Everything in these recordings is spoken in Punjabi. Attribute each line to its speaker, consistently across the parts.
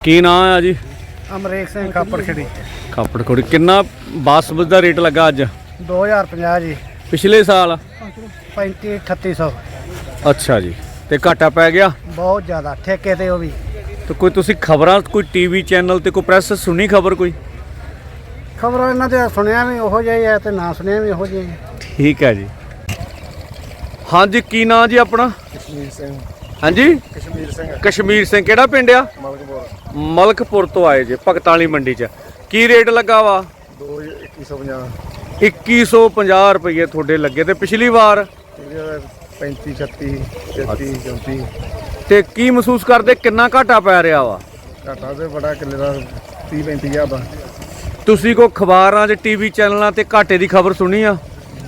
Speaker 1: ਕੀ ਨਾਂ ਆ ਜੀ?
Speaker 2: ਅਮਰੀਕ ਸਿੰਘ ਖਾਪੜਖੜੀ।
Speaker 1: ਖਾਪੜਖੜੀ। ਕਿੰਨਾ ਬਾਸਮਤੀ ਦਾ ਰੇਟ ਲੱਗਾ ਅੱਜ?
Speaker 2: 2050 ਜੀ।
Speaker 1: ਪਿਛਲੇ ਸਾਲ
Speaker 2: 35-3800।
Speaker 1: ਅੱਛਾ ਜੀ। ਤੇ ਘਾਟਾ ਪੈ ਗਿਆ
Speaker 2: ਬਹੁਤ ਜ਼ਿਆਦਾ ਠੇਕੇ ਤੇ ਉਹ ਵੀ।
Speaker 1: ਤੇ ਕੋਈ ਤੁਸੀਂ ਖਬਰਾਂ ਕੋਈ ਟੀਵੀ ਚੈਨਲ ਤੇ ਕੋਈ ਪ੍ਰੈਸ ਸੁਣੀ ਖਬਰ ਕੋਈ?
Speaker 2: ਖਬਰਾਂ ਇਹਨਾਂ ਦੇ ਸੁਣਿਆ ਵੀ ਉਹੋ ਜਿਹਾ ਹੀ ਹੈ ਤੇ ਨਾ ਸੁਣਿਆ ਵੀ ਉਹੋ ਜਿਹਾ ਹੀ।
Speaker 1: ਠੀਕ ਹੈ ਜੀ। ਹਾਂਜੀ, ਕੀ ਨਾਂ ਜੀ ਆਪਣਾ?
Speaker 2: ਕਸ਼ਮੀਰ ਸਿੰਘ।
Speaker 1: ਹਾਂਜੀ,
Speaker 2: ਕਸ਼ਮੀਰ ਸਿੰਘ।
Speaker 1: ਕਸ਼ਮੀਰ ਸਿੰਘ। ਕਿਹੜਾ ਪਿੰਡ ਆ?
Speaker 2: ਮਲਕਪੁਰ।
Speaker 1: ਮਲਕਪੁਰ ਤੋਂ ਆਏ ਜੇ ਭਗਤਾਂ ਵਾਲੀ ਮੰਡੀ 'ਚ। ਕੀ ਰੇਟ ਲੱਗਾ ਵਾ?
Speaker 2: 2150।
Speaker 1: 2150 ਰੁਪਏ ਤੁਹਾਡੇ ਲੱਗੇ। ਤੇ ਪਿਛਲੀ ਵਾਰ
Speaker 2: 35 36 33 34।
Speaker 1: ਤੇ ਕੀ ਮਹਿਸੂਸ ਕਰਦੇ ਕਿੰਨਾ ਘਾਟਾ ਪੈ ਰਿਹਾ ਵਾ?
Speaker 2: ਘਾਟਾ ਤੇ ਬੜਾ ਕਿੱਲੇ ਦਾ 30-35 ਹਜ਼ਾਰ ਦਾ।
Speaker 1: ਤੁਸੀਂ ਕੋ ਅਖਬਾਰਾਂ 'ਚ ਟੀਵੀ ਚੈਨਲਾਂ ਤੇ ਘਾਟੇ ਦੀ ਖਬਰ ਸੁਣੀ ਆ?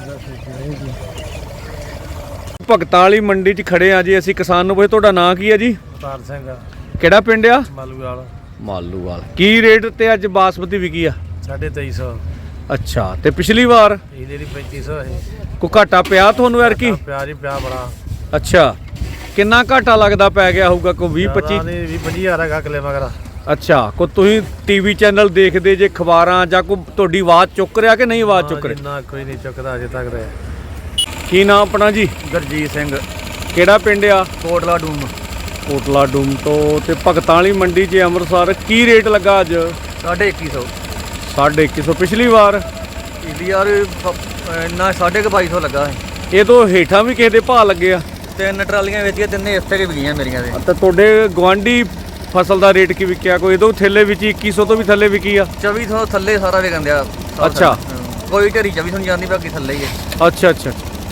Speaker 1: ਭਗਤਾਂ ਵਾਲੀ ਮੰਡੀ 'ਚ ਖੜੇ ਆ ਜੀ ਅਸੀਂ। ਕਿਸਾਨ ਨੂੰ ਪੁੱਛੇ ਤੁਹਾਡਾ ਨਾਂ ਕੀ ਹੈ ਜੀ?
Speaker 2: ਅਵਤਾਰ ਸਿੰਘ।
Speaker 1: ਕਿਹੜਾ ਪਿੰਡ ਆ?
Speaker 2: ਮਾਲੂਵਾਲ।
Speaker 1: ਮਾਲੂਵਾਲ। ਕੀ ਰੇਟ ਤੇ ਅੱਜ ਬਾਸਮਤੀ ਵਿਕੀ ਆ?
Speaker 2: 2350।
Speaker 1: ਅੱਛਾ। ਤੇ ਪਿਛਲੀ ਵਾਰ
Speaker 2: ਇਹ ਜਿਹੜੀ 3500 ਹੈ।
Speaker 1: ਕੋ ਘਾਟਾ ਪਿਆ ਤੁਹਾਨੂੰ ਯਾਰ ਕੀ?
Speaker 2: ਪਿਆਰ ਹੀ ਪਿਆ ਬੜਾ।
Speaker 1: ਅੱਛਾ। ਕਿੰਨਾ ਘਾਟਾ ਲੱਗਦਾ ਪੈ ਗਿਆ ਹੋਊਗਾ? ਕੋਈ 20-25
Speaker 2: ਹਜ਼ਾਰ ਹੈਗਾ ਕਿੱਲੇ ਮਗਰ।
Speaker 1: ਅੱਛਾ। ਕੋ ਤੁਸੀਂ ਟੀਵੀ ਚੈਨਲ ਦੇਖਦੇ ਜੇ, ਖਬਰਾਂ ਜਾਂ ਕੋਈ ਤੁਹਾਡੀ ਆਵਾਜ਼ ਚੁੱਕ ਰਿਹਾ ਕਿ ਨਹੀਂ ਆਵਾਜ਼ ਚੁੱਕ ਰਿਹਾ?
Speaker 2: ਨਾ ਕੋਈ ਨਹੀਂ ਚੁੱਕਦਾ ਅਜੇ ਤੱਕ ਤੇ।
Speaker 1: ਕੀ ਨਾਮ ਆਪਣਾ ਜੀ?
Speaker 2: ਗੁਰਜੀਤ ਸਿੰਘ।
Speaker 1: ਕਿਹੜਾ ਪਿੰਡ ਆ?
Speaker 2: ਕੋਟਲਾ ਡੂਮ।
Speaker 1: ਕੋਟਲਾ ਡੂਮ ਤੋਂ। ਤੇ ਭਗਤਾਂ ਵਾਲੀ ਮੰਡੀ 'ਚ ਅੰਮ੍ਰਿਤਸਰ ਕੀ ਰੇਟ ਲੱਗਾ ਅੱਜ?
Speaker 2: 2150।
Speaker 1: 2150। ਪਿਛਲੀ ਵਾਰ
Speaker 2: ਇਹਦੀ ਯਾਰ ਇੰਨਾ 2250 ਲੱਗਾ ਹੈ।
Speaker 1: ਇਹ ਤੋਂ ਹੇਠਾਂ ਵੀ ਕਿਸੇ ਦੇ ਭਾਅ ਲੱਗੇ ਆ?
Speaker 2: 3 ਟਰਾਲੀਆਂ ਵੇਚੀਆਂ, 3 ਇਸੇ ਕੇ ਵਿਕੀਆਂ ਮੇਰੀਆਂ ਦੇ।
Speaker 1: ਤਾਂ ਤੁਹਾਡੇ ਗੁਆਂਢੀ ਫਸਲ ਦਾ ਰੇਟ ਕੀ ਵਿਕਿਆ? ਕੋਈ ਇਹਦੋਂ ਥੱਲੇ ਵਿੱਚ 2100 ਤੋਂ ਵੀ ਥੱਲੇ ਵਿਕੀ ਆ?
Speaker 2: 2400 ਥੱਲੇ ਸਾਰਾ ਵਿਕਣ ਦਿਆ।
Speaker 1: ਅੱਛਾ।
Speaker 2: ਕੋਈ ਢੇਰੀ 2400 ਨਹੀਂ ਜਾਂਦੀ, ਬਾਕੀ ਥੱਲੇ ਹੀ ਹੈ।
Speaker 1: ਅੱਛਾ ਅੱਛਾ।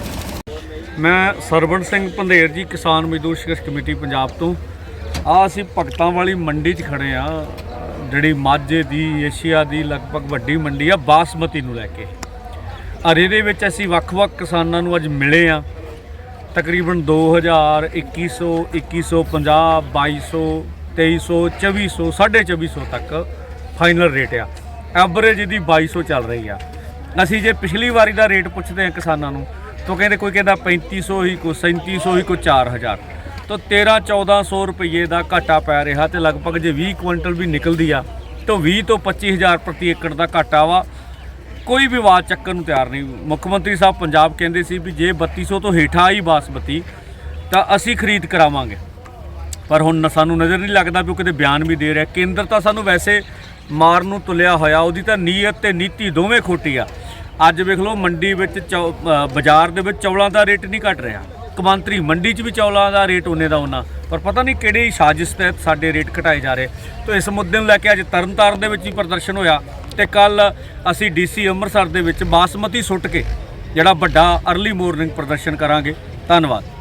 Speaker 1: ਮੈਂ ਸਰਵਣ ਸਿੰਘ ਪੰਧੇਰ ਜੀ, ਕਿਸਾਨ ਮਜ਼ਦੂਰ ਸੰਘਰਸ਼ ਕਮੇਟੀ ਪੰਜਾਬ ਤੋਂ। ਅਸੀਂ ਭਗਤਾਂ ਵਾਲੀ ਮੰਡੀ 'ਚ ਖੜੇ ਆ, ਜਿਹੜੀ ਮਾਝੇ ਦੀ, ਏਸ਼ੀਆ ਦੀ ਲਗਭਗ ਵੱਡੀ ਮੰਡੀ ਆ ਬਾਸਮਤੀ ਨੂੰ ਲੈ ਕੇ। ਇਹਦੇ ਵਿੱਚ ਅਸੀਂ ਵੱਖ-ਵੱਖ ਕਿਸਾਨਾਂ ਨੂੰ ਅੱਜ ਮਿਲੇ ਆ। ਤਕਰੀਬਨ 2000, 2100, 2150, 2200, 2300, 2400, 2450 ਤੱਕ ਫਾਈਨਲ ਰੇਟ ਆ। ਐਵਰੇਜ ਇਹਦੀ 2200 ਚੱਲ ਰਹੀ ਆ। ਅਸੀਂ ਜੇ ਪਿਛਲੀ ਵਾਰੀ ਦਾ ਰੇਟ ਪੁੱਛਦੇ ਹਾਂ ਕਿਸਾਨਾਂ ਨੂੰ ਤਾਂ ਕਹਿੰਦੇ ਕੋਈ ਕਹਿੰਦਾ 3500 ਹੀ, ਕੋਈ 3700 ਹੀ, ਕੋਈ 4000। ਤਾਂ 1300-1400 ਰੁਪਏ ਦਾ ਘਾਟਾ ਪੈ ਰਿਹਾ। ਤੇ ਲਗਭਗ ਜੇ 20 ਕੁਇੰਟਲ ਵੀ ਨਿਕਲਦੀ ਆ ਤਾਂ 20 ਤੋਂ 25000 ਪ੍ਰਤੀ ਏਕੜ ਦਾ ਘਾਟਾ ਵਾ। ਕੋਈ ਵੀ ਆਵਾਜ਼ ਚੱਕਣ ਨੂੰ ਤਿਆਰ ਨਹੀਂ। ਮੁੱਖ ਮੰਤਰੀ ਸਾਹਿਬ ਪੰਜਾਬ ਕਹਿੰਦੇ ਸੀ ਵੀ ਜੇ 3200 ਤੋਂ ਹੇਠਾਂ ਆਈ ਬਾਸਮਤੀ ਤਾਂ ਅਸੀਂ ਖਰੀਦ ਕਰਾਵਾਂਗੇ। ਪਰ ਹੁਣ ਸਾਨੂੰ ਨਜ਼ਰ ਨਹੀਂ ਲੱਗਦਾ ਵੀ ਉਹ ਕਿਤੇ ਬਿਆਨ ਵੀ ਦੇ ਰਿਹਾ। ਕੇਂਦਰ ਤਾਂ ਸਾਨੂੰ ਵੈਸੇ ਮਾਰ ਨੂੰ ਤੁਲਿਆ ਹੋਇਆ, ਉਹਦੀ ਤਾਂ ਨੀਅਤ ਤੇ ਨੀਤੀ ਦੋਵੇਂ ਖੋਟੀ ਆ। ਅੱਜ ਵੇਖ ਲਓ ਮੰਡੀ ਵਿੱਚ ਬਾਜ਼ਾਰ ਦੇ ਵਿੱਚ ਚੌਲਾਂ ਦਾ ਰੇਟ ਨਹੀਂ ਘਟ ਰਿਹਾ। ਕੌਮਾਂਤਰੀ ਮੰਡੀ 'ਚ ਵੀ ਚੌਲਾਂ ਦਾ ਰੇਟ ਉਹਨੇ ਦਾ ਉਹਨਾਂ, ਪਰ ਪਤਾ ਨਹੀਂ ਕਿਹੜੀ ਸਾਜ਼ਿਸ਼ ਤਹਿਤ ਸਾਡੇ ਰੇਟ ਘਟਾਏ ਜਾ ਰਹੇ। ਤਾਂ ਇਸ ਮੁੱਦੇ ਨੂੰ ਲੈ ਕੇ ਅੱਜ ਤਰਨਤਾਰਨ ਦੇ ਵਿੱਚ ਵੀ ਪ੍ਰਦਰਸ਼ਨ ਹੋਇਆ ਤੇ ਕੱਲ ਅਸੀਂ DC ਅੰਮ੍ਰਿਤਸਰ ਦੇ ਵਿੱਚ ਬਾਸਮਤੀ ਸੁੱਟ ਕੇ ਜਿਹੜਾ ਵੱਡਾ ਅਰਲੀ ਮਾਰਨਿੰਗ ਪ੍ਰਦਰਸ਼ਨ ਕਰਾਂਗੇ। ਧੰਨਵਾਦ।